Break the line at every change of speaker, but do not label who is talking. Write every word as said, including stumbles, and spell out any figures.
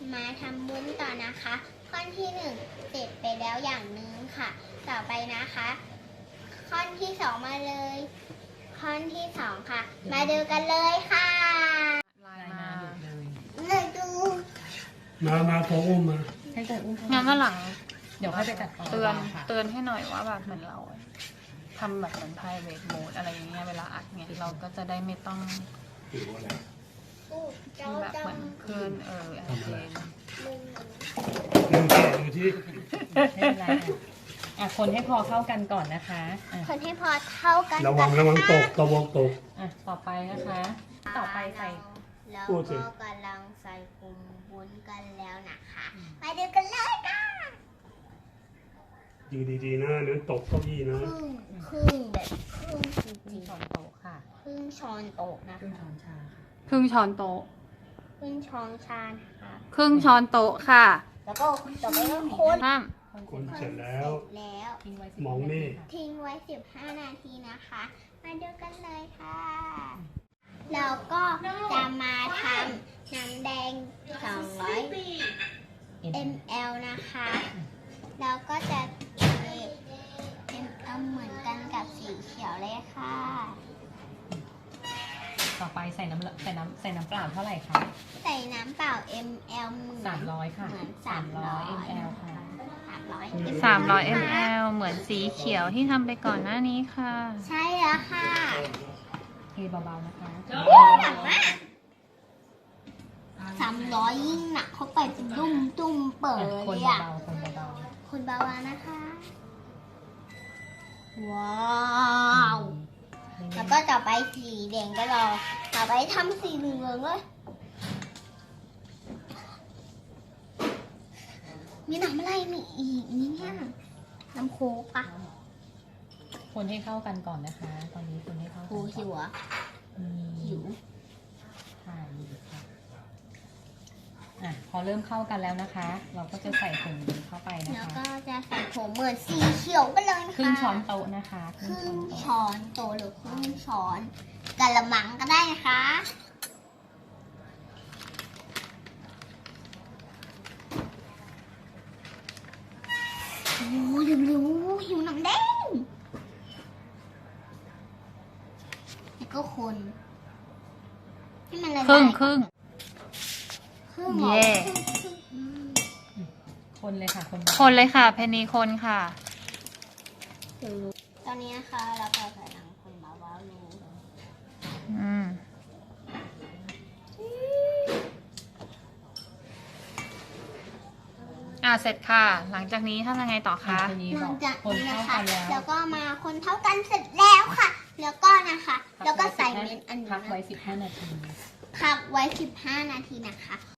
มาทำวุ้นต่อนะคะข้อนที่หนึ่งเสร็จไปแล้วอย่างหนึ่งค่ะต่อไปนะคะข้อนที่สองมาเลยข้อนที่สองค่ะมาดูกันเลยค่ะ
ลายมาเลย
เลยดู
มามาโค้งมา
ให้เกิดอุ้ม
งั้นวันหลัง
เดี๋ยวค่อยไปตัดต่อ
เตือน
ค่ะ
เตือนให้หน่อยว่าแบบเหมือนเราทำแบบเหมือน private mode อะไรอย่างเงี้ยเวลาอัดเนี่ยเราก็จะได้ไม่ต้อง
ถือว่าอะไร
ดูเจ้า
แบบ
เจ้า
เหมือนคลื่นเออแอนเทน
มึง
เรื่องแก่ดูที่
ไม่เป็นไรค่ะอ่ะคนให้พอเข้ากันก่อนนะคะอ่ะ
คนให้พอเท่ากัน
ระวังระวังตกระวังตก
อ่ะต่อไปนะคะ ต่อไปใส่
เรา
พูดสิ
ก็กำลังใส่กลุ่มวุ้นกันแล้วนะคะมาดูกันเลยค่ะ
อยู่ดีๆนะนั้นตกเก้าอี้นะ
ครึ่งครึ่งแบบครึ่งจ
ครึ่
ริ
ง
ง
ช้อนโต๊ะค่ะ
ๆครึ่งช้อนโต๊ะนะ
ครึ่ง
คะ
ช้อนชาค่ะ
ครึ่งช้อนโต๊ะ
ครึ่งช้อนชานะคะ
ครึ่งช้อนโต๊ะค่ะ
แล้วก็ต่อไปก็คน
ห้าม
คนเสร็จแล้ว
เสร็จแล้ว
ทิ้งไว้สิบ
มองนี่
าทีค่ะ
ทิ้งไว้สิบห้านาทีนะคะ มาดูกันเลยค่ะแล้วก็จะมาทำน้ำแดงสองร้อย
เอ็ม
มล นะคะแล้วก็จะเท เอ็ม แอล เหมือนกันกับสีเขียวเลยค่ะ
ต่อไปใส่น้ำใส่น้ำใส่น้ำเปล่าเท่าไหร่คะ
ใส่น้ำเปล่า เอ็ม แอล เหมือน
สามร้อยค่ะ
เหมือน
สามร้อย
สามร้อย
มลค่ะ
สามร้อย
สามร้อยมลเหมือนสีเขียวที่ทำไปก่อนหน้านี้ค่ะ
ใช่แล้วค่ะ
เทเบาๆนะคะ
หนักมากสามร้อยยิ่งหนักเข้าไปเป็นดุ้มดุ้มเปิด
อ่ะคน
เลยอะ
เบาๆคนเบา
คุณบาวานะคะ ว้าว
ๆ
แล้วก็ต่อไปสีแดงก็รอต่อไปทำสีเหลืองเลยมีน้ำอะไรมีอีกนี่เนี่ยน้ำโค้กปะ
คนให้เข้ากันก่อนนะคะ ตอนนี้คนให้เข้ากัน
โอ้
ก่อน
หิวอ่ะ
อืม
หิว
ค่ะอยู่ค่ะอ่ะ พอเริ่มเข้ากันแล้วนะคะ เราก็จะใส่ผงนี้เข้าไปนะ
แล้ว
คะ
ก็จะใส่ผมเหมือนสีเขียวกันเลยนะคะ
ครึ่งช้อนโต๊ะนะคะ
ครึ่ง
โต๊ะ
ช้อนโตหรือครึ่งช้อนกะละมังก็ได้นะคะโอ้ยเร็วๆหิวน้ำแดงแล้วก็คนให้มันละลาย
ครึ่งครึ่ง
ครึ่งเหรอ
เย่
ครึ่งครึ่งอืม
คนเลยค่ะ คน
คนเลยค่ะ เพนนีคนค่ะ
ตอนนี้นะคะเราก็กำลังคนเบาๆอยู่
อืมอ่าเสร็จค่ะ หลังจากนี้ทำยังไงต่อ
ค่ะ
คะ
ทีนี้
ห
บ
ลั
อง ก
จาก
คน
นี้
เข้า
นะคะ
กันแล้ว
แล้วก็มาคนเท่ากันเสร็จแล้วค่ะ แล้วก็นะคะ แล้วก็ใส่เม็ดอันนี้
พักไว้สิบห้านาที
พักไว้สิบห้านาทีนะคะ